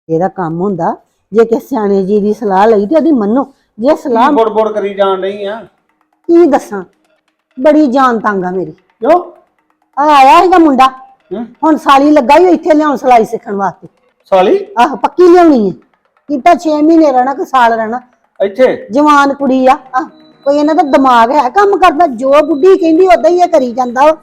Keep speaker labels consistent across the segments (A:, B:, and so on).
A: ਇਹਦਾ ਕੰਮ ਹੁੰਦਾ ਜੇ ਕਿਸੇ ਸਿਆਣੇ ਜੀ ਦੀ ਸਲਾਹ ਲਈ ਤੇ ਉਹਦੀ ਮੰਨੋ। ਜੇ ਸਲਾਹ
B: ਬੋੜ ਕਰੀ ਜਾਣ ਰਹੀ ਆ
A: ਕੀ ਦੱਸਾਂ, ਬੜੀ ਜਾਨ ਤੰਗ ਆ ਮੇਰੀ।
B: ਕਿਉਂ?
A: ਆਇਆ ਸੀਗਾ ਮੁੰਡਾ,
B: ਹੂੰ
A: ਹੁਣ ਸਾਲੀ ਲੱਗਾ ਹੀ ਇੱਥੇ ਲਿਆਉਣ ਸਿਲਾਈ ਸਿੱਖਣ ਵਾਸਤੇ।
B: ਸਾਲੀ
A: ਆਹ ਪੱਕੀ ਲਿਆਉਣੀ ਹੈ, ਕੀਤਾ 6 ਮਹੀਨੇ ਰਹਿਣਾ ਕਿ ਸਾਲ ਰਹਿਣਾ।
B: ਇੱਥੇ
A: ਜਵਾਨ ਕੁੜੀ ਆ, ਕੋਈ ਇਹਨਾਂ ਦਾ ਦਿਮਾਗ ਹੈ ਕੰਮ ਕਰਦਾ, ਜੋ ਬੁੱਢੀ ਕਹਿੰਦੀ ਉਦਾਂ ਹੀ ਇਹ ਕਰੀ ਜਾਂਦਾ ਵਾ।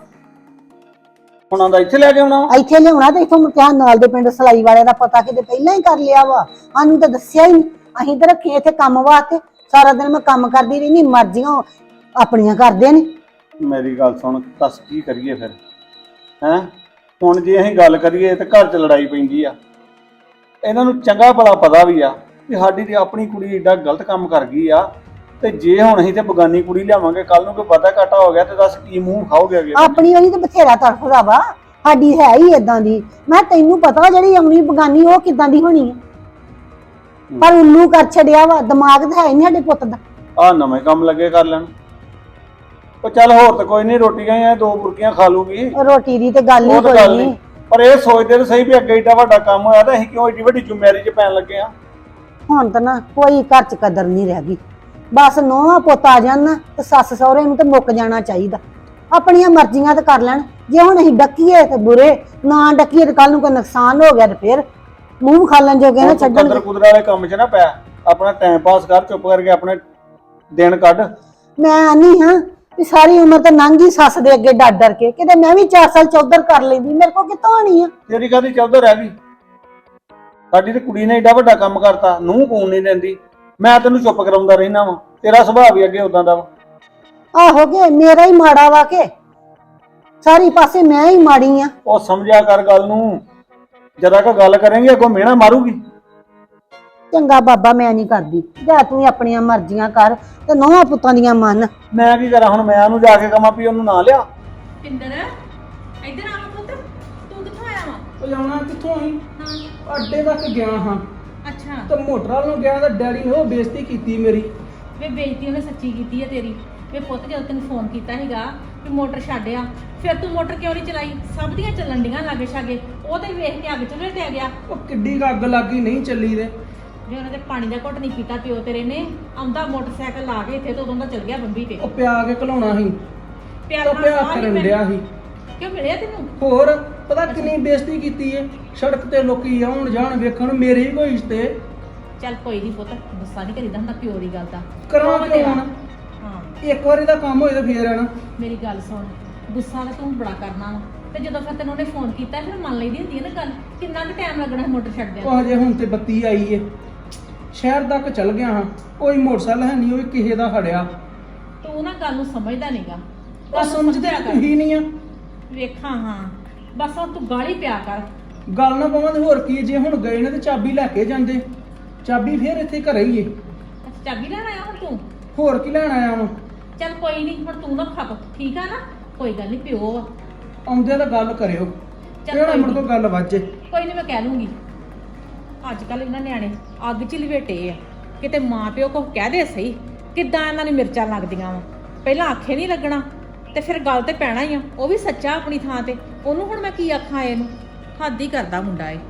B: ਹੁਣ ਦਾ ਇੱਥੇ ਲੈ ਕੇ ਆਉਣਾ ਵਾ?
A: ਇੱਥੇ ਲਿਆਉਣਾ ਤੇ ਇੱਥੋਂ ਮੁਕਿਆ ਨਾਲ ਦੇ ਪਿੰਡ ਸਿਲਾਈ ਵਾਲਿਆਂ ਦਾ ਪਤਾ ਕਿਤੇ ਪਹਿਲਾਂ ਹੀ ਕਰ ਲਿਆ ਵਾ, ਸਾਨੂੰ ਤਾਂ ਦੱਸਿਆ ਹੀ ਨਹੀਂ। ਅਸੀਂ ਤਾਂ ਰੱਖੇ ਇੱਥੇ ਕੰਮ ਵਾਸਤੇ, ਸਾਰਾ ਦਿਨ ਮੈਂ ਕੰਮ ਕਰਦੀ ਰਹਿੰਦੀ, ਮਰਜ਼ੀਆਂ ਆਪਣੀਆਂ ਕਰਦੇ ਨੇ।
B: ਮੇਰੀ ਗੱਲ ਸੁਣ, ਦੱਸ ਕੀ ਕਰੀਏ ਫਿਰ ਹੈਂ? ਹੁਣ ਜੇ ਅਸੀਂ ਗੱਲ ਕਰੀਏ ਤੇ ਘਰ 'ਚ ਲੜਾਈ ਪੈਂਦੀ ਆ। ਇਹਨਾਂ ਨੂੰ ਚੰਗਾ ਭਲਾ ਪਤਾ ਵੀ ਆ ਕਿ ਸਾਡੀ ਤੇ ਆਪਣੀ ਕੁੜੀ ਏਡਾ ਗਲਤ ਕੰਮ ਕਰ ਗਈ ਆ, ਤੇ ਜੇ ਹੁਣ ਅਸੀਂ ਤੇ ਬਗਾਨੀ ਕੁੜੀ ਲਿਆਵਾਂਗੇ, ਕੱਲ ਨੂੰ ਕੋਈ ਵਾਧਾ ਘਾਟਾ ਹੋ ਗਿਆ ਤੇ ਦੱਸ ਕੀ ਮੂੰਹ ਖਾਓਗੇ ਅੱਗੇ?
A: ਆਪਣੀ ਵਾਲੀ ਤੇ ਬਥੇਰਾ ਤੜਫਦਾ ਵਾ, ਸਾਡੀ ਹੈ ਹੀ ਏਦਾਂ ਦੀ। ਮੈਂ ਤੈਨੂੰ ਪਤਾ ਜਿਹੜੀ ਆਉਣੀ ਬਗਾਨੀ ਉਹ ਕਿਦਾਂ ਦੀ ਹੋਣੀ ਹੈ, ਪਰ ਉੱਲੂ ਕਰ ਛੱਡਿਆ ਵਾ, ਦਿਮਾਗ ਤਾਂ ਹੈ ਨਹੀਂ ਸਾਡੇ ਪੁੱਤ ਦਾ।
B: ਆਹ ਨਵੇਂ ਕੰਮ ਲੱਗੇ ਕਰ ਲੈਣ। ਉਹ ਚੱਲ ਹੋਰ ਤਾਂ ਕੋਈ ਨਹੀਂ, ਰੋਟੀਆਂ ਹੀ 2 ਬੁਰਕੀਆਂ ਖਾ ਲੂਗੀ,
A: ਰੋਟੀ ਦੀ ਤੇ ਗੱਲ ਹੀ
B: ਉਹ ਤਾਂ
A: ਕੋਈ
B: ਗੱਲ
A: ਨਹੀਂ।
B: ਨਹੀਂ। ਪਰ ਇਹ ਸੋਚਦੇ ਤਾਂ ਸਹੀ ਵੀ ਅੱਗੇ ਏਡਾ ਵੱਡਾ ਕੰਮ ਹੋਇਆ ਤਾਂ ਅਸੀਂ ਕਿਉਂ ਏਡੀ ਵੱਡੀ ਜ਼ਿੰਮੇਵਾਰੀ 'ਚ ਪੈਣ ਲੱਗੇ ਆ?
A: ਹੁਣ ਤਾਂ ਨਾ ਕੋਈ ਘਰ ਚ ਕਦਰ ਨਹੀਂ ਰਹਿ ਗਈ, ਬਸ ਨੋਹਾਂ ਪੁੱਤ ਆ ਜਾਣ ਨਾ ਤੇ ਸੱਸ ਸਹੁਰੇ ਨੂੰ ਤੇ ਮੁੱਕ ਜਾਣਾ ਚਾਹੀਦਾ। ਆਪਣੀਆਂ ਮਰਜ਼ੀਆਂ ਤੇ ਕਰ ਲੈਣ। ਜੇ ਹੁਣ ਅਸੀਂ ਡੱਕੀਏ ਤੇ ਬੁਰੇ, ਨਾ ਡੱਕੀਏ ਤੇ ਕੱਲ ਨੂੰ ਕੋਈ ਨੁਕਸਾਨ ਹੋ ਗਿਆ ਤੇ ਫਿਰ ਮੂੰਹ ਖਾਲਣ ਜੋਗੇ ਨਾ ਛੱਡਣ।
B: ਕਦਰ ਕੁਦਰ ਵਾਲੇ ਕੰਮ 'ਚ ਨਾ ਪੈ, ਆਪਣਾ ਟਾਈਮ ਪਾਸ ਕਰ, ਚੁੱਪ ਕਰਕੇ ਆਪਣੇ ਦਿਨ ਕੱਢ।
A: ਮੈਂ ਆਨੀ ਹਾਂ ਵੀ ਸਾਰੀ ਉਮਰ ਤਾਂ ਲੰਘ ਗਈ ਸੱਸ ਦੇ ਅੱਗੇ ਡਰ ਡਰ ਕੇ, ਕਿਤੇ ਮੈਂ ਵੀ 4 ਸਾਲ ਚੌਧਰ ਕਰ ਲੈਂਦੀ, ਮੇਰੇ ਕੋਲ ਕਿੱਥੋਂ ਆਣੀ ਆ?
B: ਤੇਰੀ ਕਾਹਦੀ ਚੌਧਰ ਰਹਿ ਗਈ? ਸਾਡੀ ਤੇ ਕੁੜੀ ਨੇ ਏਡਾ ਵੱਡਾ ਕੰਮ ਕਰਤਾ, ਨੂੰਹ ਕੂਣ ਨਹੀਂ ਦਿੰਦੀ। ਮੈਂ ਤੈਨੂੰ ਚੁੱਪ ਕਰਾਉਂਦਾ ਰਹਿਣਾ ਵਾ, ਤੇਰਾ ਸੁਭਾਅ ਵੀ ਅੱਗੇ ਉਦਾਂ ਦਾ ਵਾ।
A: ਆਹੋ ਕੇ ਮੇਰਾ ਹੀ ਮਾੜਾ ਵਾ ਕੇ ਸਾਰੀ ਪਾਸੇ ਮੈਂ ਹੀ ਮਾੜੀ ਆ?
B: ਉਹ ਸਮਝਿਆ ਕਰ ਗੱਲ ਨੂੰ, ਜਰਾ ਕਾ ਗੱਲ ਕਰਾਂਗੇ ਅੱਗੋਂ ਮਿਹਣਾ ਮਾਰੂਗੀ।
A: ਚੰਗਾ ਬਾਬਾ, ਮੈਂ ਨਹੀਂ ਕਰਦੀ, ਜਾ ਤੂੰ ਹੀ ਆਪਣੀਆਂ ਮਰਜ਼ੀਆਂ ਕਰ ਤੇ ਨੋਹਾਂ ਪੁੱਤਾਂ ਦੀਆਂ ਮੰਨ।
B: ਮੈਂ ਕੀ ਕਰਾਂ ਹੁਣ? ਮੈਂ ਉਹਨੂੰ ਜਾ ਕੇ ਕਹਾਂ ਵੀ ਉਹਨੂੰ ਨਾ ਲਿਆ।
C: ਪਿੰਦਰ ਇੱਧਰ ਆ ਪੁੱਤ, ਤੂੰ ਕਿੱਥੋਂ ਆਇਆ ਵਾ?
D: ਉਹ ਜਾਣਾ ਕਿੱਥੋਂ ਆਈ?
C: ਹਾਂ
D: ਅੱਡੇ ਤੱਕ ਗਿਆ ਹਾਂ
C: ਅੱਛਾ,
D: ਤੇ ਮੋਟਰ ਵੱਲ ਨੂੰ ਗਿਆ ਤਾਂ ਡੈਡੀ ਨੇ ਉਹ ਬੇਇੱਜ਼ਤੀ ਕੀਤੀ ਮੇਰੀ।
C: ਵੇ ਬੇਇੱਜ਼ਤੀ ਉਹਨੇ ਸੱਚੀ ਕੀਤੀ ਹੈ ਤੇਰੀ। ਵੇ ਪੁੱਤ ਜਦੋਂ ਤੈਨੂੰ ਫੋਨ ਕੀਤਾ ਸੀਗਾ ਵੀ ਮੋਟਰ ਛੱਡਿਆ, ਫਿਰ ਤੂੰ ਮੋਟਰ ਕਿਉਂ ਨਹੀਂ ਚਲਾਈ? ਸਭ ਦੀਆਂ ਚੱਲਣ ਡੀਆਂ ਲਾਗੇ ਛਾਗੇ, ਉਹ ਤੇ ਵੇਖ ਕੇ ਅੱਗ ਚ ਲਟਿਆ ਗਿਆ।
D: ਉਹ ਕਿੱਡੀ ਕੁ ਅੱਗ ਲੱਗੀ, ਨਹੀਂ ਚੱਲੀ ਦੇ।
C: ਜੇ ਉਹਨਾਂ ਦੇ ਪਾਣੀ ਦਾ ਘੁੱਟ ਨਹੀਂ ਪੀਤਾ ਪਿਓ ਤੇਰੇ ਨੇ, ਆਉਂਦਾ ਮੋਟਰਸਾਈਕਲ ਲਾ ਕੇ ਇੱਥੇ ਤੇ ਉਦੋਂ ਦਾ ਚੱਲ ਗਿਆ ਬੰਬੀ ਤੇ।
D: ਉਹ ਪਿਆ ਕੇ ਘਲਾਉਣਾ ਸੀ,
C: ਪਿਆਰ
D: ਉਹ
C: ਨਾਲ
D: ਪਿਆ
C: ਸਾਹ ਨੀ
D: ਕਰਨ
C: ਮੈਂ-
D: ਡਿਆ ਸੀ।
C: ਕਿਉਂ ਮਿਲਿਆ ਤੈਨੂੰ?
D: ਹੋਰ ਪਤਾ ਕਿੰਨੀ ਬੇਇੱਜ਼ਤੀ ਕੀਤੀ ਏ, ਸੜਕ ਤੇ ਲੋਕੀ ਆਉਣ ਜਾਣ ਵੇਖਣ, ਮੇਰੇ ਹੀ ਕੋਈ ਰਿਸ਼ਤੇ।
C: ਚੱਲ ਕੋਈ ਨਹੀਂ ਪੁੱਤ, ਗੁੱਸਾ ਨਹੀਂ ਕਰੀਦਾ ਹੁੰਦਾ ਪਿਓ ਦੀ ਗੱਲ ਦਾ।
D: ਕਰਾਂ
C: ਉਹ
D: ਕਿਉਂ ਹੁਣ?
C: ਹਾਂ
D: ਇੱਕ ਵਾਰੀ ਦਾ ਕੰਮ ਹੋਏ ਤਾਂ ਫੇਰ ਆਣਾ।
C: ਮੇਰੀ ਗੱਲ ਸੁਣ, ਗੁੱਸਾ ਤਾਂ ਤੂੰ ਬੜਾ ਕਰਨਾ ਵਾ, ਤੇ ਜਦੋਂ ਫਿਰ ਤੈਨੂੰ ਉਹਨੇ ਫੋਨ ਕੀਤਾ ਫਿਰ ਮੰਨ ਲਈਦੀ ਹੁੰਦੀ ਹੈ ਨਾ ਗੱਲ। ਕਿੰਨਾ ਕੁ ਟਾਈਮ ਲੱਗਣਾ ਹੈ ਮੋਟਰ ਛੱਡਦਿਆਂ?
D: ਉਹ ਹਜੇ ਹੁਣ ਤੇ ਬੱਤੀ ਆਈ ਏ, ਸ਼ਹਿਰ ਤੱਕ ਚਲ ਗਿਆ ਹਾਂ, ਕੋਈ ਮੋਟਰਸਾਈਕਲ ਹੈ ਨਹੀਂ, ਉਹ ਵੀ ਕਿਸੇ ਦਾ ਖੜਿਆ।
C: ਤੂੰ ਨਾ ਗੱਲ ਨੂੰ ਸਮਝਦਾ ਨਹੀਂਗਾ।
D: ਉਹ ਸਮਝਦੇ ਤੁਸੀਂ ਨਹੀਂ ਆ।
C: ਵੇਖਾਂ ਹਾਂ, ਬਸ ਹੁਣ ਤੂੰ ਗਾਲੀ ਪਿਆ ਕਰ।
D: ਗੱਲ ਨਾ ਪਵਾਂ ਤੇ ਹੋਰ ਕੀ, ਜੇ ਹੁਣ ਗਏ ਨੇ ਤੇ ਚਾਬੀ ਲੈ ਕੇ ਜਾਂਦੇ, ਚਾਬੀ ਫੇਰ ਇੱਥੇ ਘਰੇ ਹੀ ਏ।
C: ਅੱਛਾ, ਚਾਬੀ ਲੈਣ ਆਇਆ ਹੁਣ ਤੂੰ?
D: ਹੋਰ ਕੀ ਲੈਣ ਆਇਆ ਵਾਂ?
C: ਚੱਲ ਕੋਈ ਨਹੀਂ, ਹੁਣ ਤੂੰ ਨਾ ਖੱਪ, ਠੀਕ ਆ ਨਾ? ਕੋਈ ਗੱਲ ਨਹੀਂ, ਪਿਓ ਆ।
D: ਆਉਂਦੇ ਤਾਂ ਗੱਲ ਕਰਿਓ,
C: ਚੱਲ
D: ਕਿਹੜਾ
C: ਕੋਈ
D: ਮੁੜ ਤੋਂ ਗੱਲ ਵਾਜੇ।
C: ਕੋਈ ਨਹੀਂ, ਮੈਂ ਕਹਿ ਲੂੰਗੀ। ਅੱਜ ਕੱਲ ਇਹਨਾਂ ਨਿਆਣੇ ਅੱਗ 'ਚ ਲਵੇਟੇ ਆ, ਕਿਤੇ ਮਾਂ ਪਿਓ ਕੋ ਕਹਿ ਦੇ ਸਹੀ ਕਿੱਦਾਂ ਇਹਨਾਂ ਨੂੰ ਮਿਰਚਾਂ ਲੱਗਦੀਆਂ ਵਾ। ਪਹਿਲਾਂ ਆਖੇ ਨਹੀਂ ਲੱਗਣਾ ਤੇ ਫਿਰ ਗੱਲ ਤੇ ਪੈਣਾ ਹੀ ਆ। ਉਹ ਵੀ ਸੱਚਾ ਆਪਣੀ ਥਾਂ ਤੇ, ਉਹਨੂੰ ਹੁਣ ਮੈਂ ਕੀ ਆਖਾਂ? ਇਹਨੂੰ ਹੱਦ ਹੀ ਕਰਦਾ ਮੁੰਡਾ ਏ।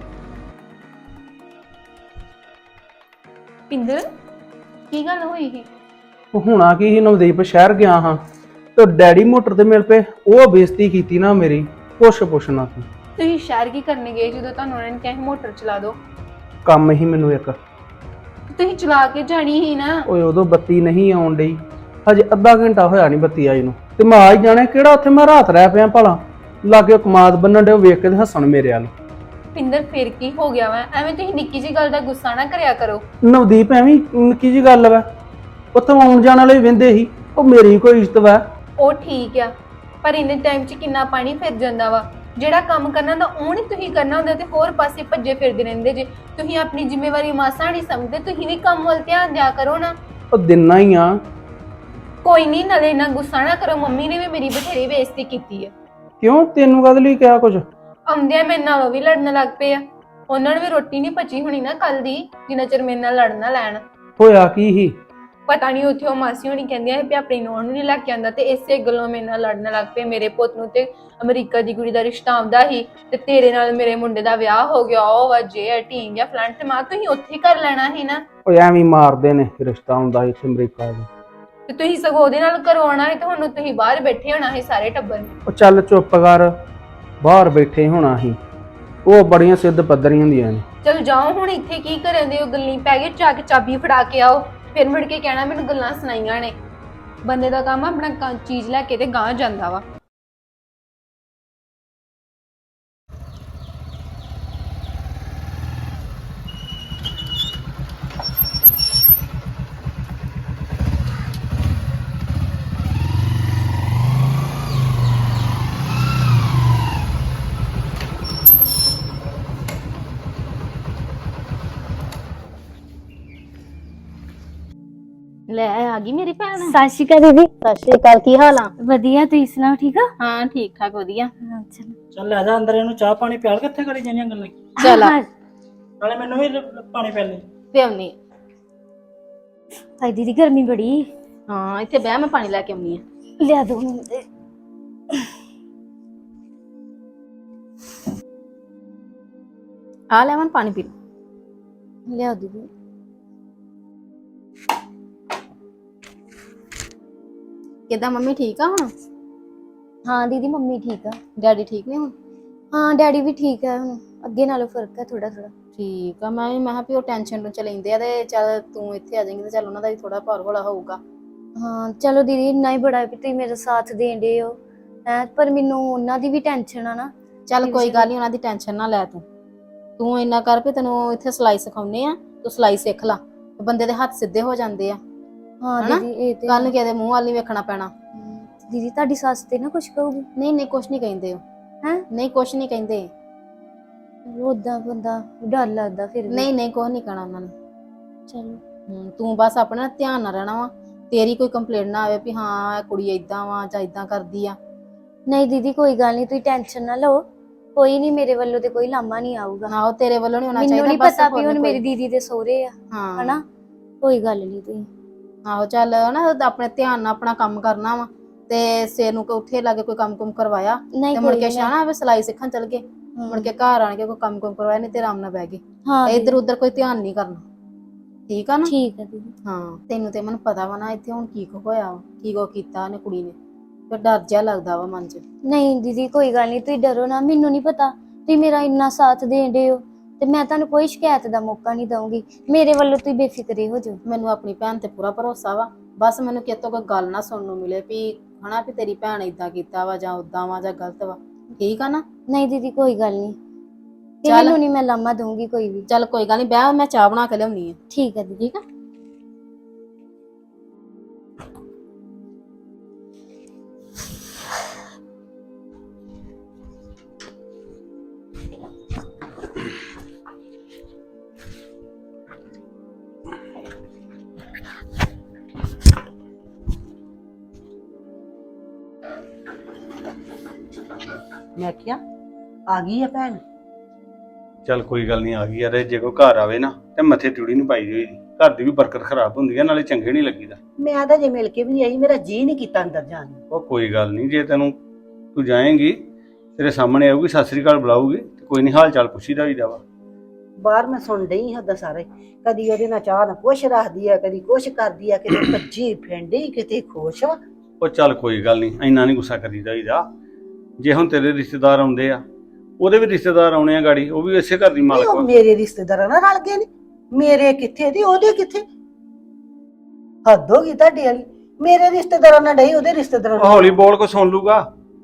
E: ਪਿੰਦਰ ਕੀ ਗੱਲ ਹੋਈ ਸੀ?
D: ਹੁਣਾ ਕੀ ਸੀ, ਨਵਦੀਪ ਸ਼ਹਿਰ ਗਿਆ ਹਾਂ ਤੇ ਡੈਡੀ ਮੋਟਰ ਤੇ ਮਿਲ ਪਏ, ਉਹ ਬੇਇੱਜ਼ਤੀ ਕੀਤੀ ਨਾ ਮੇਰੀ, ਪੁੱਛਣਾ ਤੂੰ।
E: ਤੁਸੀਂ ਸ਼ਹਿਰ ਕੀ ਕਰਨ ਗਏ ਜਦੋਂ ਤੁਹਾਨੂੰ ਉਹਨਾਂ ਨੇ ਕਿਹਾ ਮੋਟਰ ਚਲਾ ਦਿਓ?
D: ਕੰਮ ਹੀ ਮੈਨੂੰ ਇੱਕ,
E: ਤੁਸੀਂ ਚਲਾ ਕੇ ਜਾਣੀ ਸੀ ਨਾ।
D: ਓਏ ਉਦੋਂ ਬੱਤੀ ਨਹੀਂ ਆਉਣ ਡਈ, ਹਜੇ ਅੱਧਾ ਘੰਟਾ ਹੋਇਆ ਨਹੀਂ ਬੱਤੀ ਆਈ ਨੂੰ, ਤੇ ਮੈਂ ਆ ਹੀ ਜਾਣਾ। ਕਿਹੜਾ ਉੱਥੇ ਮੈਂ ਰਾਤ ਰਹਿ ਪਿਆ ਭਲਾ, ਲਾਗੇ ਕਮਾਦ ਬੰਨਣ ਡੇ, ਵੇਖ ਕੇ ਤੇ ਹੱਸਣ ਮੇਰੇ ਵੱਲ।
E: ਪਿੰਦਰ ਫਿਰ ਕੀ ਹੋ ਗਿਆ ਵਾ? ਐਵੇਂ ਤੁਸੀਂ ਨਿੱਕੀ ਜੀ ਗੱਲ ਦਾ ਗੁੱਸਾ ਨਾ ਕਰਿਆ ਕਰੋ।
D: ਨਵਦੀਪ ਐਵੇਂ ਨਿੱਕੀ ਜੀ ਗੱਲ ਵਾ, ਉੱਥੋਂ ਆਉਣ ਜਾਣ ਵਾਲੇ ਵਹਿੰਦੇ ਸੀ, ਉਹ ਮੇਰੀ ਕੋਈ ਇੱਜ਼ਤ ਵਾ?
E: ਉਹ ਠੀਕ ਆ, ਪਰ ਇੰਨੇ ਟਾਈਮ 'ਚ ਕਿੰਨਾ ਪਾਣੀ ਫਿਰ ਜਾਂਦਾ ਵਾ। ਜਿਹੜਾ ਕੰਮ ਕਰਨਾ ਤਾਂ ਉਹ ਨਹੀਂ ਤੁਸੀਂ ਕਰਨਾ ਹੁੰਦਾ, ਤੇ ਹੋਰ ਪਾਸੇ ਭੱਜੇ ਫਿਰਦੇ ਰਹਿੰਦੇ ਜੇ। ਤੁਸੀਂ ਆਪਣੀ ਜ਼ਿੰਮੇਵਾਰੀ ਮਾਸਾ ਨਹੀਂ ਸਮਝਦੇ, ਤੁਸੀਂ ਵੀ ਕੰਮ ਵੱਲ ਧਿਆਨ ਦਿਆ ਕਰੋ ਨਾ।
D: ਉਹ ਦਿਨਾ ਹੀ ਆ।
E: ਕੋਈ ਨਹੀਂ, ਨਾਲੇ ਇੰਨਾ ਗੁੱਸਾ ਨਾ ਕਰੋ। ਮੰਮੀ ਨੇ ਵੀ ਮੇਰੀ ਬਥੇਰੀ ਬੇਇੱਜ਼ਤੀ ਕੀਤੀ ਆ।
D: ਕਿਉਂ, ਤੈਨੂੰ ਕਦ ਲਈ ਕਿਹਾ ਕੁਝ?
E: ਆਉਂਦਿਆਂ ਮੇਰੇ ਨਾਲ ਉਹ ਵੀ ਲੜਨ ਲੱਗ ਪਏ ਆ। ਉਹਨਾਂ ਨੂੰ ਵੀ ਰੋਟੀ ਨਹੀਂ ਪਚੀ ਹੋਣੀ ਨਾ ਕੱਲ ਦੀ, ਜਿੰਨਾ ਚਿਰ ਮੇਰੇ ਨਾਲ ਲੜਨਾ ਲੈਣ।
D: ਹੋਇਆ ਕੀ ਸੀ?
E: ਪਤਾ ਨਹੀਂ ਉੱਥੇ ਉਹ ਮਾਸੀ ਹੋਣੀ ਕਹਿੰਦੀਆਂ ਸੀ ਵੀ ਆਪਣੀ ਨੂੰਹ ਨੂੰ ਨਹੀਂ ਲੈ ਕੇ ਆਂਦਾ, ਤੇ ਇਸੇ ਗੱਲੋਂ ਮੇਰੇ ਨਾਲ ਲੜਨ ਲੱਗ ਪਏ। ਮੇਰੇ ਪੁੱਤ ਨੂੰ ਤੇ ਅਮਰੀਕਾ ਦੀ ਕੁੜੀ ਦਾ ਰਿਸ਼ਤਾ ਆਉਂਦਾ ਸੀ, ਤੇ ਤੇਰੇ ਨਾਲ ਮੇਰੇ ਮੁੰਡੇ ਦਾ ਵਿਆਹ ਹੋ ਗਿਆ, ਉਹ ਵਜੇ ਢੀਂਗ ਜਾਂ ਫਲੰਟ ਮਾਂ, ਤੁਸੀਂ ਉੱਥੇ ਹੀ ਕਰ ਲੈਣਾ ਸੀ ਨਾ।
D: ਉਹ ਐਵੇਂ ਹੀ ਮਾਰਦੇ ਨੇ ਰਿਸ਼ਤਾ ਹੁੰਦਾ ਇੱਥੇ ਅਮਰੀਕਾ ਦਾ।
E: ਤੇ ਤੁਸੀਂ ਸਗੋਂ ਉਹਦੇ ਨਾਲ ਕਰਵਾਉਣਾ ਸੀ, ਤੇ ਹੁਣ ਤੁਸੀਂ ਬਾਹਰ ਬੈਠੇ ਹੋਣਾ ਸੀ ਸਾਰੇ ਟੱਬਰ ਨੇ।
D: ਉਹ ਚੱਲ ਚੁੱਪ ਕਰ, ਬਾਹਰ ਬੈਠੇ ਹੋਣਾ ਸੀ, ਉਹ ਬੜੀਆਂ ਸਿੱਧ ਪੱਧਰੀਆਂ ਹੁੰਦੀਆਂ ਨੇ।
E: ਚਲ ਜਾਓ ਹੁਣ, ਇੱਥੇ ਕੀ ਕਰਨ ਦੇ ਹੋ, ਗੱਲਾਂ ਪੈ ਗਏ, ਜਾ ਕੇ ਚਾਬੀ ਫੜਾ ਕੇ ਆਓ, ਫਿਰ ਮੁੜ ਕੇ ਕਹਿਣਾ ਮੈਨੂੰ ਗੱਲਾਂ ਸੁਣਾਈਆਂ ਨੇ। ਬੰਦੇ ਦਾ ਕੰਮ ਆਪਣਾ ਚੀਜ਼ ਲੈ ਕੇ ਤੇ ਗਾਂਹ ਜਾਂਦਾ ਵਾ।
F: ਲੈ ਆ ਗਈ ਮੇਰੀ ਭੈਣ।
G: ਸਤਿ ਸ਼੍ਰੀ ਅਕਾਲ ਦੀਦੀ।
F: ਸਤਿ ਸ਼੍ਰੀ ਅਕਾਲ, ਕੀ ਹਾਲ ਆ?
G: ਵਧੀਆ, ਤੁਸੀਂ ਸੁਣਾਓ? ਠੀਕ ਆ?
F: ਹਾਂ ਠੀਕ ਠਾਕ ਵਧੀਆ।
G: ਚਲੋ
H: ਚੱਲ ਲੈ ਜਾ ਅੰਦਰ, ਇਹਨੂੰ ਚਾਹ ਪਾਣੀ ਪਿਆਲ, ਕਿੱਥੇ ਕਰੀ ਜਾਂਦੀਆਂ ਗੱਲਾਂ।
F: ਚੱਲ ਆ
H: ਨਾਲੇ ਮੈਨੂੰ ਵੀ ਪਾਣੀ ਪਿਆਲ ਲੈ।
F: ਪਿਆਉਣੀ।
G: ਹਾਏ ਦੀਦੀ ਗਰਮੀ ਬੜੀ।
F: ਹਾਂ ਇੱਥੇ ਬਹਿ, ਮੈਂ ਪਾਣੀ ਲੈ ਕੇ ਆਉਣੀ ਆ।
G: ਲਿਆ ਦੋ ਮੈਨੂੰ ਤੇ।
F: ਆ ਲੈ ਮੈਂ ਪਾਣੀ ਪੀ ਲਓ।
G: ਲਿਆ ਦੀਦੀ।
F: ਕਿੱਦਾਂ ਮੰਮੀ ਠੀਕ ਆ ਹੁਣ?
G: ਹਾਂ ਦੀਦੀ ਮੰਮੀ ਠੀਕ ਆ।
F: ਡੈਡੀ ਠੀਕ ਨੇ ਹੁਣ?
G: ਹਾਂ ਡੈਡੀ ਵੀ ਠੀਕ ਆ, ਹੁਣ ਅੱਗੇ ਨਾਲੋਂ ਫਰਕ ਆ ਥੋੜਾ ਥੋੜਾ।
F: ਠੀਕ ਆ। ਮੈਂ ਕਿਹਾ ਵੀ ਉਹ ਟੈਨਸ਼ਨ ਨੂੰ ਲੈਂਦੇ ਆ, ਤੇ ਚੱਲ ਤੂੰ ਇੱਥੇ ਆ ਜਾਏਂਗੀ ਤੇ ਚੱਲ ਉਹਨਾਂ ਦਾ ਵੀ ਥੋੜਾ ਭਾਰ ਹੌਲਾ ਹੋਊਗਾ।
G: ਹਾਂ ਚਲੋ ਦੀਦੀ, ਇੰਨਾ ਹੀ ਬੜਾ ਵੀ ਤੁਸੀਂ ਮੇਰਾ ਸਾਥ ਦੇਣ ਦੇ ਹੋ ਹੈ, ਪਰ ਮੈਨੂੰ ਉਹਨਾਂ ਦੀ ਵੀ ਟੈਨਸ਼ਨ ਆ ਨਾ।
F: ਚੱਲ ਕੋਈ ਗੱਲ ਨਹੀਂ, ਉਹਨਾਂ ਦੀ ਟੈਨਸ਼ਨ ਨਾ ਲੈ ਤੂੰ ਇੰਨਾ ਕਰ ਵੀ ਤੈਨੂੰ ਇੱਥੇ ਸਿਲਾਈ ਸਿਖਾਉਨੇ ਆ, ਤੂੰ ਸਿਲਾਈ ਸਿੱਖ ਲਾ, ਬੰਦੇ ਦੇ ਹੱਥ ਸਿੱਧੇ ਹੋ ਜਾਂਦੇ ਆ।
G: ਹਾਂ
F: ਹਨਾ?
G: ਦੀਦੀ ਇਹ ਤੇ
F: ਕੱਲ ਨੂੰ ਕਿਸੇ ਦੇ ਮੂੰਹ ਵੱਲ ਨਹੀਂ ਵੇਖਣਾ ਪੈਣਾ।
G: ਦੀਦੀ ਤੁਹਾਡੀ ਸੱਸ ਤੇ ਨਾ ਕੁਛ ਕਹੂਗੀ?
F: ਨਹੀਂ ਨਹੀਂ ਕੁਛ ਨਹੀਂ ਕਹਿੰਦੇ ਉਹ।
G: ਹੈਂ?
F: ਨਹੀਂ ਕੁਛ ਨਹੀਂ ਕਹਿੰਦੇ।
G: ਉਦਾਂ ਬੰਦਾ ਡਰ ਲੱਗਦਾ ਫਿਰ ਵੀ।
F: ਨਹੀਂ ਨਹੀਂ ਕੁਛ ਨਹੀਂ ਕਹਿਣਾ ਉਹਨਾਂ ਨੇ।
G: ਚਲੋ
F: ਤੂੰ ਬਸ ਆਪਣਾ ਧਿਆਨ ਨਾਲ ਰਹਿਣਾ ਵਾ, ਤੇਰੀ ਕੋਈ ਕੰਪਲੇਂਟ ਨਾ ਆਵੇ ਵੀ ਹਾਂ ਇਹ ਕੁੜੀ ਏਦਾਂ ਵਾ ਜਾਂ ਏਦਾਂ ਕਰਦੀ ਆ।
G: ਨਹੀਂ ਦੀਦੀ ਕੋਈ ਗੱਲ ਨਹੀਂ, ਤੁਸੀਂ ਟੈਨਸ਼ਨ ਨਾ ਲਓ, ਕੋਈ ਨਹੀਂ, ਮੇਰੇ ਵੱਲੋਂ ਤੇ ਕੋਈ ਲਾਮਾ ਨਹੀਂ ਆਊਗਾ।
F: ਨਾ ਉਹ ਤੇਰੇ ਵੱਲੋਂ ਨਹੀਂ ਹੋਣਾ
G: ਮੈਨੂੰ
F: ਚਾਹੀਦਾ।
G: ਨਹੀਂ ਪਤਾ ਵੀ ਹੁਣ ਮੇਰੀ ਦੀਦੀ ਦੇ ਸਹੁਰੇ ਆ,
F: ਹਾਂ
G: ਹਨਾ? ਕੋਈ ਗੱਲ ਨਹੀਂ ਤੁਸੀਂ।
F: ਆਹੋ ਚੱਲ ਨਾ ਆਪਣੇ ਧਿਆਨ ਨਾਲ ਆਪਣਾ ਕੰਮ ਕਰਨਾ ਵਾ, ਤੇ ਸਿਰ ਨੂੰ ਉੱਥੇ ਲਾ ਕੇ ਕੋਈ ਕੰਮ ਕੁਮ ਕਰਵਾਇਆ
G: ਨਹੀਂ
F: ਤੇ ਮੁੜ ਕੇ ਸ਼ਾਨਾ ਵੀ ਸਿਲਾਈ ਸਿੱਖਣ ਚੱਲ ਗਏ, ਮੁੜ ਕੇ ਘਰ ਆਣ ਕੇ ਕੋਈ ਕੰਮ ਕੁਮ ਕਰਵਾਇਆ, ਨਹੀਂ ਤੇ ਆਰਾਮ ਨਾਲ ਬਹਿ ਗਏ।
G: ਹਾਂ
F: ਇੱਧਰ ਉੱਧਰ ਕੋਈ ਧਿਆਨ ਨਹੀਂ ਕਰਨਾ, ਠੀਕ ਆ ਨਾ?
G: ਠੀਕ ਹੈ ਦੀਦੀ।
F: ਹਾਂ ਤੈਨੂੰ ਤੇ ਮੈਨੂੰ ਪਤਾ ਵਾ ਨਾ ਇੱਥੇ ਹੁਣ ਕੀ ਕੁ ਹੋਇਆ ਵਾ, ਕੀ ਕੋ ਕੀਤਾ ਉਹਨੇ ਕੁੜੀ ਨੇ, ਫਿਰ ਡਰ ਜਿਹਾ ਲੱਗਦਾ ਵਾ ਮਨ 'ਚ।
G: ਨਹੀਂ ਦੀਦੀ ਕੋਈ ਗੱਲ ਨਹੀਂ, ਤੁਸੀਂ ਡਰੋ ਨਾ, ਮੈਨੂੰ ਨਹੀਂ ਪਤਾ, ਤੁਸੀਂ ਮੇਰਾ ਇੰਨਾ ਸਾਥ ਦੇਣ ਦੇ ਹੋ, ਤੇ ਮੈਂ ਤੁਹਾਨੂੰ ਕੋਈ ਸ਼ਿਕਾਇਤ ਦਾ ਮੌਕਾ ਨਹੀਂ ਦਊਂਗੀ। ਮੇਰੇ ਵੱਲੋਂ ਤੁਸੀਂ ਬੇਫਿਕਰੇ ਹੋ ਜਾਓ।
F: ਮੈਨੂੰ ਆਪਣੀ ਭੈਣ ਤੇ ਪੂਰਾ ਭਰੋਸਾ ਵਾ, ਬਸ ਮੈਨੂੰ ਕਿਤੋਂ ਕੋਈ ਗੱਲ ਨਾ ਸੁਣਨ ਨੂੰ ਮਿਲੇ ਵੀ ਹਨਾ ਵੀ ਤੇਰੀ ਭੈਣ ਏਦਾਂ ਕੀਤਾ ਵਾ ਜਾਂ ਉਦਾਂ ਵਾ ਜਾਂ ਗਲਤ ਵਾ, ਠੀਕ ਆ ਨਾ?
G: ਨਹੀਂ ਦੀਦੀ ਕੋਈ ਗੱਲ ਨਹੀਂ,
F: ਚੱਲ।
G: ਮੈਨੂੰ ਨਹੀਂ ਮੈਂ ਲਾਮਾ ਦਊਂਗੀ ਕੋਈ ਵੀ।
F: ਚੱਲ ਕੋਈ ਗੱਲ ਨਹੀਂ, ਬਹਿ ਮੈਂ ਚਾਹ ਬਣਾ ਕੇ ਲਿਆਉਣੀ ਆ।
G: ਠੀਕ ਹੈ ਦੀਦੀ।
F: ਠੀਕ ਆ।
A: ਮੈਂ ਕਿਹਾ ਆ ਗਈ ਆ ਭੈਣ।
B: ਚੱਲ ਕੋਈ ਗੱਲ ਨਹੀਂ, ਆ ਗਈ ਯਾਰ। ਜੇ ਕੋਈ ਘਰ ਆਵੇ ਨਾ ਤੇ ਮੱਥੇ ਟੂੜੀ ਨਹੀਂ ਪਾਈ ਹੋਈ, ਘਰ ਦੀ ਵੀ ਬਰਕਤ ਖਰਾਬ ਹੁੰਦੀ ਆ, ਨਾਲੇ ਚੰਗੇ ਨਹੀਂ ਲੱਗੀਦਾ।
A: ਮੈਂ ਤਾਂ ਜੇ ਮਿਲ ਕੇ ਵੀ ਨਹੀਂ ਆਈ, ਮੇਰਾ ਜੀ ਨਹੀਂ ਕੀਤਾ ਅੰਦਰ ਜਾਣ ਨੂੰ।
B: ਉਹ ਕੋਈ ਗੱਲ ਨਹੀਂ, ਜੇ ਤੂੰ ਜਾਏਂਗੀ ਤੇਰੇ ਸਾਹਮਣੇ ਆਊਗੀ, ਸਤਿ ਸ੍ਰੀ ਅਕਾਲ ਬੁਲਾਊਗੀ, ਤੇ ਕੋਈ ਨਹੀਂ ਹਾਲ ਚਾਲ ਪੁੱਛੀਦਾ ਹੋਈਦਾ ਵਾ।
A: ਬਾਹਰ ਮੈਂ ਸੁਣ ਡਈ ਹਾਂ ਉਹਦਾ ਸਾਰੇ, ਕਦੀ ਉਹਦੇ ਨਾਲ ਚਾਹ ਨਾ ਕੁਛ ਰੱਖਦੀ ਆ, ਕਦੀ ਕੁਛ ਕਰਦੀ ਆ, ਕਿਤੇ ਭੱਜੀ ਫੈਂਡੀ, ਕਿਤੇ ਖੁਸ਼ ਵਾ।
B: ਉਹ ਚੱਲ ਕੋਈ ਗੱਲ ਨਹੀਂ, ਇੰਨਾ ਨਹੀਂ ਗੁੱਸਾ ਕਰੀਦਾ ਹੋਈਦਾ। ਜੇ ਹੁਣ ਤੇਰੇ ਰਿਸ਼ਤੇਦਾਰ ਆਉਂਦੇ ਆ, ਉਹਦੇ ਵੀ ਰਿਸ਼ਤੇਦਾਰ ਆਉਣੇ ਆ ਗਾੜੀ, ਉਹ ਵੀ ਇਸੇ ਘਰ ਦੀ ਮਾਲਕ
A: ਉਹ
B: ਵਾ।
A: ਮੇਰੇ ਰਿਸ਼ਤੇਦਾਰਾਂ ਨਾਲ ਰਲ ਗਏ ਨੇ, ਮੇਰੇ ਕਿੱਥੇ ਦੀ ਉਹਦੇ ਕਿੱਥੇ? ਹੱਦ ਹੋ ਗਈ ਤੁਹਾਡੇ ਵਾਲੀ। ਮੇਰੇ ਰਿਸ਼ਤੇਦਾਰਾਂ ਨਾਲ ਡਈ, ਉਹਦੇ ਰਿਸ਼ਤੇਦਾਰਾਂ
B: ਉਹ
A: ਨਾਲ।
B: ਹੌਲੀ ਬੋਲ ਕੋ ਸੁਣ ਲੂਗਾ।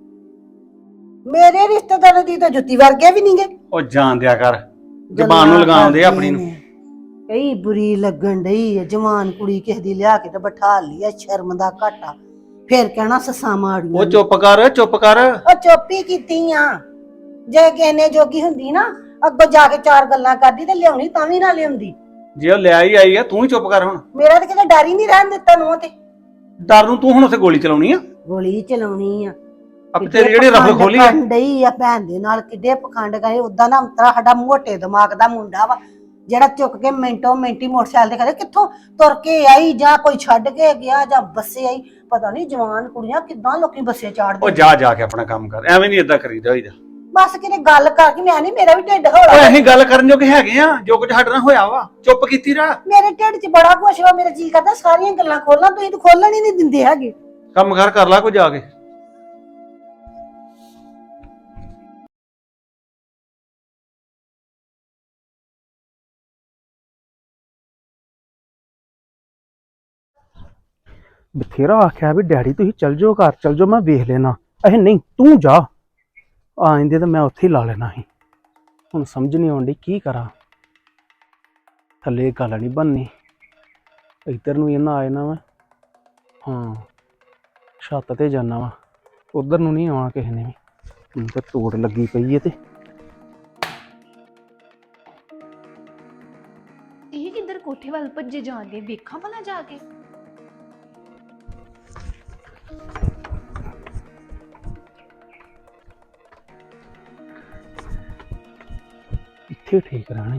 A: ਮੇਰੇ ਰਿਸ਼ਤੇਦਾਰਾਂ ਦੀ ਤਾਂ ਜੁੱਤੀ ਵਰਗੇ ਵੀ ਨਹੀਂਗੇ।
B: ਉਹ ਜਾਣ ਦਿਆ ਕਰ, ਜ਼ਬਾਨ ਨੂੰ ਲਗਾਉਂਦੇ ਆ ਆਪਣੀ ਨੂੰ।
A: ਕਈ ਬੁਰੀ ਲੱਗਣ ਡਈ ਹੈ, ਜਵਾਨ ਕੁੜੀ ਕਿਸੇ ਦੀ ਲਿਆ ਕੇ ਤੇ ਬਿਠਾ ਲਈ ਆ, ਸ਼ਰਮ ਦਾ ਘਾਟਾ। ਫਿਰ ਕਹਿਣਾ ਸੱਸਾਂ ਮਾੜੀਆਂ
B: ਉਹ
A: ਨੇ।
B: ਚੁੱਪ ਕਰ, ਚੁੱਪ ਕਰ।
A: ਉਹ ਚੁੱਪੀ ਕੀਤੀ ਆ। ਜੇ ਕਿਹਨੇ ਜੋਗੀ ਹੁੰਦੀ ਨਾ, ਅੱਗੋਂ ਜਾ ਕੇ ਚਾਰ ਗੱਲਾਂ ਕਰਦੀ ਤੇ ਲਿਆਉਣੀ ਤਾਂ ਵੀ ਨਾ ਲਿਆਉਂਦੀ।
B: ਜੇ ਉਹ ਲਿਆ ਹੀ ਆਈ ਆ, ਤੂੰ ਹੀ ਚੁੱਪ ਕਰ ਹੁਣ।
A: ਮੇਰਾ ਤਾਂ ਕਿਤੇ ਡਰ ਹੀ ਨਹੀਂ ਰਹਿਣ ਦਿੱਤਾ ਨੂੰ ਤੇ।
B: ਡਰ ਨੂੰ ਤੂੰ ਹੁਣ ਉੱਥੇ ਗੋਲੀ ਚਲਾਉਣੀ ਆ?
A: ਗੋਲੀ ਚਲਾਉਣੀ ਆ।
B: ਅਬ ਤੇਰੀ ਜਿਹੜੀ ਰਫਲ ਖੋਲੀ ਆ।
A: ਡਈ ਆ ਭੈਣ ਦੇ ਨਾਲ, ਕਿੱਡੇ ਪਖੰਡ ਗਏ। ਉਦਾਂ ਨਾ ਅੰਤਰਾ ਸਾਡਾ ਮੋਟੇ ਦਿਮਾਗ ਦਾ ਮੁੰਡਾ ਵਾ, ਜਿਹੜਾ ਚੁੱਕ ਕੇ ਮਿੰਟੋ ਮਿੰਟੀ ਮੋਟਰਸਾਈਕਲ ਤੇ ਕਰੇ ਕਿੱਥੋਂ ਤੁਰ ਕੇ ਆਈ ਜਾਂ ਕੋਈ ਛੱਡ ਕੇ ਗਿਆ ਜਾਂ ਬੱਸੇ ਆਈ। ਪਤਾ ਨਹੀਂ ਜਵਾਨ ਕੁੜੀਆਂ ਕਿੱਦਾਂ ਲੋਕੀ ਬੱਸੇ
B: ਉਹ
A: ਚਾੜਦੇ।
B: ਜਾ ਕੇ ਆਪਣਾ ਕੰਮ ਕਰ, ਐਵੇਂ ਨਹੀਂ ਏਦਾਂ ਕਰੀਦਾ ਹੋਈਦਾ।
A: ਬਸ ਕਿਤੇ ਗੱਲ ਕਰਕੇ ਮੈਂ ਨਹੀਂ, ਮੇਰਾ ਵੀ ਢਿੱਡ
B: ਓਏ
A: ਹੌਲਾ।
B: ਅਸੀਂ ਗੱਲ ਕਰਨ ਜੋਗੇ ਹੈਗੇ ਆ, ਜੋ ਕੁਝ ਸਾਡੇ ਨਾਲ ਹੋਇਆ ਵਾ ਚੁੱਪ ਕੀਤੀ ਰਹਿ।
A: ਮੇਰੇ ਢਿੱਡ 'ਚ ਬੜਾ ਕੁਛ ਵਾ, ਮੇਰਾ ਜੀ ਕਰਦਾ ਸਾਰੀਆਂ ਗੱਲਾਂ ਖੋਲਾਂ, ਤੁਸੀਂ ਤਾਂ ਖੋਲਣ ਹੀ ਨਹੀਂ ਦਿੰਦੇ ਹੈਗੇ।
B: ਕੰਮ ਕਰ ਲਾ ਕੋਈ ਜਾ ਕੇ।
D: ਬਥੇਰਾ ਆਖਿਆ ਵੀ ਡੈਡੀ ਤੁਸੀਂ ਚੱਲ ਜਾਓ ਘਰ, ਚੱਲ ਜਾਓ, ਮੈਂ ਵੇਖ ਲੈਣਾ। ਇਹ ਨਹੀਂ, ਤੂੰ ਜਾ। ਆਂਦੇ ਤਾਂ ਮੈਂ ਉੱਥੇ ਹੀ ਲਾ ਲੈਣਾ ਸੀ। ਹੁਣ ਸਮਝ ਨਹੀਂ ਆਉਂਦੀ ਕੀ ਕਰਾਂ। ਥੱਲੇ ਗੱਲ ਨਹੀਂ ਬਣਨੀ, ਇੱਧਰ ਨੂੰ ਇਹਨਾਂ ਆ ਜਾਣਾ ਵਾ। ਹਾਂ, ਛੱਤ ਤੇ ਜਾਣਾ ਵਾ, ਉਧਰ ਨੂੰ ਨਹੀਂ ਆਉਣਾ ਕਿਸੇ ਨੇ ਵੀ। ਹੁਣ ਤਾਂ ਤੋੜ ਲੱਗੀ ਪਈ ਏ। ਤੇ
E: ਇਹ ਕਿੱਧਰ ਕੋਠੇ ਵੱਲ ਭੱਜੇ ਜਾਂਦੇ, ਵੇਖਾਂ ਭਲਾ ਜਾ ਕੇ।
D: ਇੱਥੇ ਠੀਕ ਰਹਿਣਾ।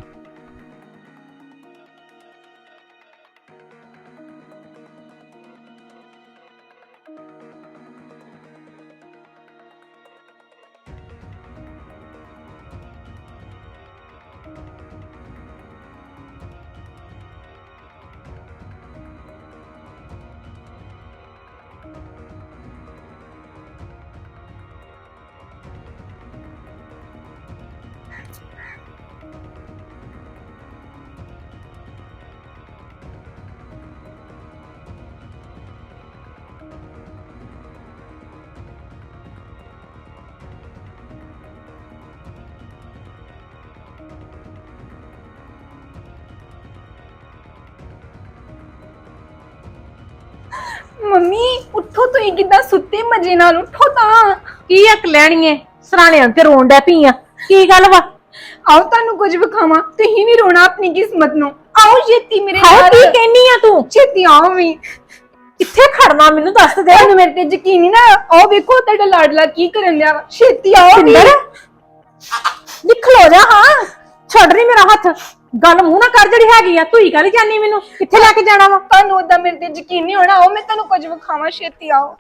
E: ਮੰਮੀ ਉੱਠੋ, ਤੁਸੀਂ ਕਿੱਦਾਂ ਸੁੱਤੇ ਮਜੇ ਨਾਲ? ਉੱਠੋ ਤਾਂ।
C: ਕੀ ਅਕ ਲੈਣੀਏ ਸਰਾਣਿਆਂ ਤੇ ਰੋਣ ਡੈ ਪਈ ਆ, ਕੀ ਗੱਲ ਵਾ?
E: ਆਓ ਤੁਹਾਨੂੰ ਕੁਝ ਵਿਖਾਵਾਂ, ਤੁਸੀਂ ਵੀ ਰੋਣਾ ਆਪਣੀ ਕਿਸਮਤ ਨੂੰ। ਆਓ ਛੇਤੀ ਮੇਰੇ
C: ਹਾਏ
E: ਨਾਲ।
C: ਕੀ ਕਹਿਨੀ ਆ ਤੂੰ?
E: ਛੇਤੀ ਆਓ ਵੀ।
C: ਕਿੱਥੇ ਖੜਨਾ ਮੈਨੂੰ ਦੱਸ ਦੇ।
E: ਤੁਹਾਨੂੰ ਮੇਰੇ ਤੇ ਯਕੀਨ ਨਹੀਂ ਨਾ? ਆਓ ਵੇਖੋ ਤੁਹਾਡਾ ਲਾਡਲਾ ਕੀ ਕਰਨ ਡਿਆ ਵਾ। ਛੇਤੀ ਆਓ ਵੀ।
C: ਨਿਕਲੋ ਜਾ। ਹਾਂ ਛੱਡ ਨਹੀਂ ਮੇਰਾ ਹੱਥ, ਗੱਲ ਮੂੰਹ ਨਾ ਕਰ ਜਿਹੜੀ ਹੈਗੀ ਆ। ਤੂੰ ਹੀ ਕਰੀ ਜਾਨੀ ਮੈਨੂੰ, ਕਿੱਥੇ ਲੈ ਕੇ ਜਾਣਾ ਵਾ?
E: ਤੁਹਾਨੂੰ ਉਦਾਂ ਮੇਰੇ ਤੇ ਯਕੀਨ ਨਹੀਂ ਹੋਣਾ। ਆਓ ਮੈਂ ਤੁਹਾਨੂੰ ਕੁਝ ਵਿਖਾਵਾਂ, ਛੇਤੀ ਆਓ।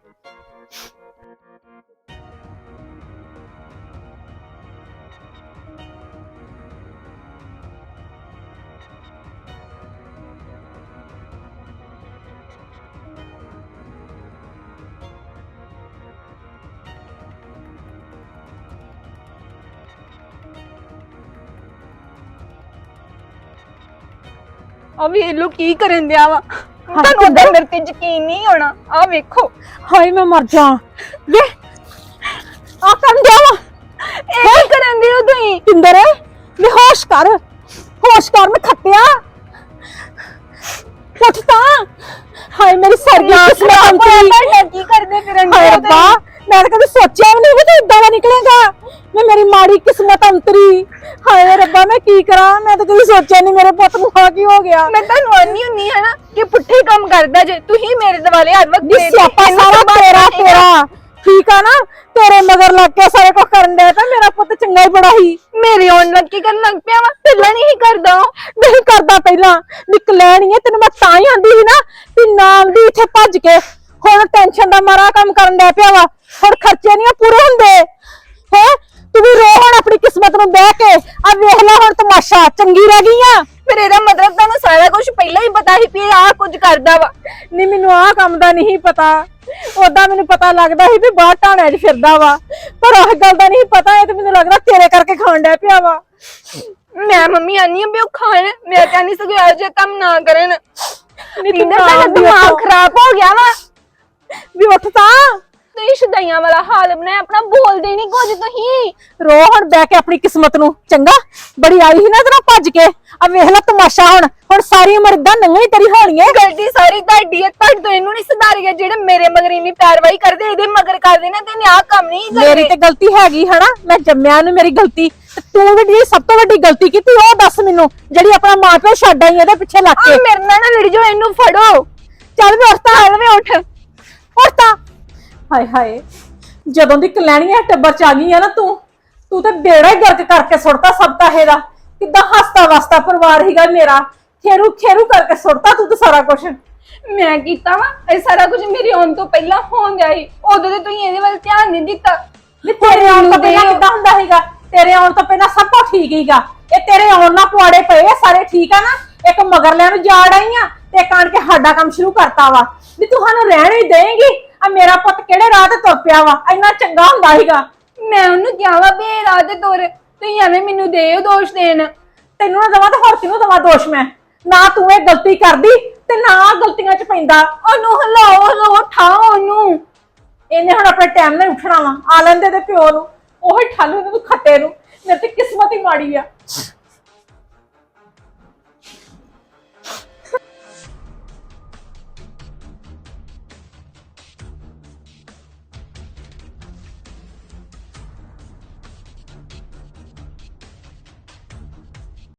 E: ਆ ਵੇਖ ਲੋ ਕੀ ਕਰਨ ਦਿਆ ਵਾ। ਤੁਹਾਨੂੰ ਉਦਾਂ ਮੇਰੇ ਤੇ ਯਕੀਨ ਨਹੀਂ ਹੋਣਾ। ਆ ਵੇਖੋ।
C: ਹਾਏ ਮੈਂ ਮਰ ਜਾ। ਵੇ ਆ ਕਰਨ ਦਿਆ ਵਾ।
E: ਇਹ ਕੀ ਕਰਨ ਦਿਓ ਤੁਸੀਂ?
C: ਪਿੰਦਰ ਵੇ ਹੋਸ਼ ਕਰ, ਹੋਸ਼ ਕਰ। ਮੈਂ ਖੱਤਿਆ ਉੱਠ ਤਾਂ। ਹਾਏ ਮੇਰੀ ਸਾਰੀ ਕਿਸਮਤ ਅੰਤਰੀ।
E: ਕੀ ਕਰਦੇ ਫਿਰਨ
C: ਹਾਏ ਰੱਬਾ, ਮੈਂ ਤਾਂ ਕਦੇ ਸੋਚਿਆ ਵੀ ਨਹੀਂ ਵੀ ਤੂੰ ਇਦਾਂ ਦਾ ਨਿਕਲੇਗਾ। ਮੈਂ ਮੇਰੀ ਮਾੜੀ ਕਿਸਮਤ ਅੰਤਰੀ। ਹਾਏ ਰੱਬਾ ਮੈਂ ਕੀ ਕਰਾਂ, ਮੈਂ ਤਾਂ ਕਦੇ ਸੋਚਿਆ ਨਹੀਂ ਮੇਰੇ ਪੁੱਤ ਨੂੰ ਆ ਕੀ ਹੋ ਗਿਆ।
E: ਮੈਂ ਤੁਹਾਨੂੰ ਆਨੀ ਹੁੰਨੀ ਹੈ ਨਾ ਕਿ ਪੁੱਠੇ ਕੰਮ ਕਰਦਾ ਜੇ ਤੁਸੀਂ ਮੇਰੇ ਦਿਵਾਲੇ ਹਰ ਵਕਤ।
C: ਸਿਆਪਾ ਸਾਰਾ ਤੇਰਾ ਠੀਕ ਆ ਨਾ? ਤੇਰੇ ਮਗਰ ਲੱਗ ਕੇ ਸਾਰੇ ਕੁਝ ਕਰਨ ਦੇ ਤਾਂ ਮੇਰਾ ਪੁੱਤ ਚੰਗਾ ਹੀ ਬੜਾ ਸੀ।
E: ਮੇਰੇ ਆਉਣ ਲੱਗ ਕੇ ਕਰਨ ਲੱਗ ਪਿਆ ਵਾ। ਪਹਿਲਾਂ ਨਹੀਂ ਕਰਦਾ।
C: ਨਹੀਂ ਕਰਦਾ, ਪਹਿਲਾਂ ਨਿਕਲਿਆ ਨਹੀਂ। ਤੈਨੂੰ ਮੈਂ ਤਾਂ ਹੀ ਆਂਦੀ ਸੀ ਨਾ ਵੀ ਨਾਮ ਦੀ ਇੱਥੇ ਭੱਜ ਕੇ। ਹੁਣ ਟੈਨਸ਼ਨ ਦਾ ਮਾਰਾ ਕੰਮ ਕਰਨ ਡਿਆ ਪਿਆ ਵਾ। ਹੁਣ ਖਰਚੇ ਨਹੀਂ ਪੂਰੇ ਹੁੰਦੇ ਹੈ। ਤੂੰ ਵੀ ਰੋ ਹੁਣ ਆਪਣੀ ਕਿਸਮਤ ਨੂੰ ਬਹਿ ਕੇ। ਆ ਵੇਖ ਲੈ ਹੁਣ ਤਮਾਸ਼ਾ, ਚੰਗੀ ਰਹਿ ਗਈ ਆ।
E: ਫਿਰ ਇਹਦਾ ਮਤਲਬ ਤੁਹਾਨੂੰ ਸਾਰਾ ਕੁਝ ਪਹਿਲਾਂ ਹੀ ਪਤਾ ਸੀ ਵੀ ਆਹ ਕੁਝ ਕਰਦਾ ਵਾ।
C: ਨਹੀਂ ਮੈਨੂੰ ਆਹ ਕੰਮ ਦਾ ਨਹੀਂ ਪਤਾ। ਉਦਾਂ ਮੈਨੂੰ ਪਤਾ ਲੱਗਦਾ ਸੀ ਵੀ ਬਾਹਰ ਢਾਣਿਆਂ 'ਚ ਫਿਰਦਾ ਵਾ, ਪਰ ਆਹ ਗੱਲ ਦਾ ਨਹੀਂ ਪਤਾ। ਇਹ ਤੇ ਮੈਨੂੰ ਲੱਗਦਾ ਤੇਰੇ ਕਰਕੇ ਖਾਣ ਡਿਆ ਪਿਆ ਵਾ।
E: ਮੈਂ ਮੰਮੀ ਆਨੀ ਆ ਵੀ ਉਹ ਖਾਣ। ਮੈਂ ਤਾਂ ਨਹੀਂ ਸਗੋਂ ਇਹੋ ਜਿਹਾ ਕੰਮ ਨਾ ਕਰਨ।
C: ਨਹੀਂ ਤੂੰ
E: ਤੁਹਾਡਾ ਦਿਮਾਗ ਖਰਾਬ ਹੋ ਗਿਆ ਵਾ।
C: ਵੀ ਉੱਠ ਤਾਂ।
E: ਤੁਸੀਂ ਸ਼ਦਾਈਆਂ ਵਾਲਾ ਹਾਲ ਬਣਾਇਆ ਆਪਣਾ। ਬੋਲਦੇ ਨਹੀਂ ਕੁਝ ਤੁਸੀਂ।
C: ਰੋ ਹੁਣ ਬਹਿ ਕੇ ਆਪਣੀ ਕਿਸਮਤ ਨੂੰ। ਚੰਗਾ ਬੜੀ ਆਈ ਸੀ ਨਾ ਤੇਰਾ ਭੱਜ ਕੇ। ਆ ਵੇਖ ਲੈ ਤਮਾਸ਼ਾ। ਹੁਣ ਸਾਰੀ ਉਮਰ ਇਦਾਂ ਨੰਗੀ ਤੇਰੀ ਹੋਣੀ ਹੈ।
E: ਗਲਤੀ ਸਾਰੀ ਤੁਹਾਡੀ ਹੈ। ਤੁਹਾਡੇ ਤੋਂ ਇਹਨੂੰ ਨਹੀਂ ਸੁਧਾਰਿਆ। ਜਿਹੜੇ ਮੇਰੇ ਮਗਰ ਇੰਨੀ ਪੈਰਵਾਈ ਕਰਦੇ, ਇਹਦੇ ਮਗਰ ਕਰਦੇ ਨਾ, ਤੇ ਇਹਨੇ ਆਹ ਕੰਮ ਨਹੀਂ ਕਰਦੇ।
C: ਮੇਰੀ ਤੇ ਗਲਤੀ ਹੈਗੀ ਹਨਾ, ਮੈਂ ਜੰਮਿਆ ਨੂੰ ਮੇਰੀ ਗਲਤੀ। ਤੇ ਤੂੰ ਵੀ ਜਿਹੜੀ ਸਭ ਤੋਂ ਵੱਡੀ ਗਲਤੀ ਕੀਤੀ ਉਹ ਦੱਸ ਮੈਨੂੰ, ਜਿਹੜੀ ਆਪਣਾ ਮਾਂ ਪਿਓ ਛੱਡ ਆਈ ਇਹਦੇ ਪਿੱਛੇ ਲੱਗ ਕੇ।
E: ਮੇਰੇ ਨਾਲ ਨਾ ਲੜ ਜਾਓ, ਇਹਨੂੰ ਫੜੋ।
C: ਚੱਲ ਵੇ ਉੱਠ ਤਾਂ।
E: ਵੇ ਉੱਠ
C: ਤਾਂ। ਹਾਏ ਹਾਏ, ਜਦੋਂ ਦੀ ਕਲੈਣੀਆਂ ਟੱਬਰ ਚ ਆ ਗਈ ਆ ਨਾ ਤੂੰ ਤੇ ਬੇੜਾ ਹੀ ਗਰਕ ਕਰਕੇ ਸੁੱਟਤਾ ਸਭ ਕਾਹੇ ਦਾ। ਕਿੱਦਾਂ ਹੱਸਦਾ ਵਸਦਾ ਪਰਿਵਾਰ ਹੀਗਾ ਮੇਰਾ। ਖੇਰੂ ਖੇਰੂ ਕਰਕੇ ਸੁੱਟਤਾ ਤੂੰ ਤਾਂ ਸਾਰਾ ਕੁਝ।
E: ਮੈਂ ਕੀਤਾ ਵਾ ਇਹ ਸਾਰਾ ਕੁਝ ਮੇਰੇ ਆਉਣ ਤੋਂ ਪਹਿਲਾਂ ਹੋਣ ਗਿਆ ਸੀ। ਉਦੋਂ ਤੇ ਤੁਸੀਂ ਇਹਦੇ ਵੱਲ ਧਿਆਨ ਨਹੀਂ ਦਿੱਤਾ।
C: ਵੀ ਤੇਰੇ ਆਉਣ ਤੋਂ ਪਹਿਲਾਂ ਕਿੱਦਾਂ ਹੁੰਦਾ ਸੀਗਾ? ਤੇਰੇ ਆਉਣ ਤੋਂ ਪਹਿਲਾਂ ਸਭ ਕੁਝ ਠੀਕ ਹੀਗਾ। ਇਹ ਤੇਰੇ ਆਉਣ ਨਾਲ ਪੁਆੜੇ ਪਏ ਆ ਸਾਰੇ, ਠੀਕ ਆ ਨਾ? ਇੱਕ ਮਗਰਲਿਆਂ ਨੂੰ ਜਾੜ ਆਈ ਆ ਤੇ ਕਾਣ ਕੇ ਸਾਡਾ ਕੰਮ ਸ਼ੁਰੂ ਕਰਤਾ ਵਾ ਵੀ ਤੂੰ ਸਾਨੂੰ ਰਹਿਣ ਹੀ ਦੇਂਗੀ। ਆ ਮੇਰਾ ਪੁੱਤ ਕਿਹੜੇ ਰਾਹ ਤੇ ਤੁਰ ਪਿਆ ਵਾ, ਇੰਨਾ ਚੰਗਾ ਹੁੰਦਾ ਸੀਗਾ।
E: ਮੈਂ ਉਹਨੂੰ ਕਿਹਾ ਵਾ ਵੀ ਇਹ ਰਾਹ ਤੇ ਤੁਰ, ਤੁਸੀਂ ਐਵੇਂ ਮੈਨੂੰ ਦਿਓ ਦੋਸ਼ ਦੇਣ।
C: ਤੈਨੂੰ ਨਾ ਦਵਾਂ ਤੇ ਹੋਰ ਕਿਹਨੂੰ ਦਵਾਂ ਦੋਸ਼? ਮੈਂ ਨਾ ਤੂੰ ਇਹ ਗਲਤੀ ਕਰਦੀ ਤੇ ਨਾ ਗਲਤੀਆਂ 'ਚ ਪੈਂਦਾ।
E: ਉਹਨੂੰ ਹਿਲਾਓ ਠਾਓ ਉਹਨੂੰ।
C: ਇਹਨੇ ਹੁਣ ਆਪਣੇ ਟਾਈਮ ਨਾਲ ਉੱਠਣਾ ਵਾ। ਆ ਲੈਂਦੇ ਤੇ ਪਿਓ ਨੂੰ, ਉਹੀ ਠਾਲੂ ਇਹਨੂੰ ਖੱਤੇ ਨੂੰ। ਮੇਰੀ ਤੇ ਕਿਸਮਤ ਹੀ ਮਾੜੀ ਆ।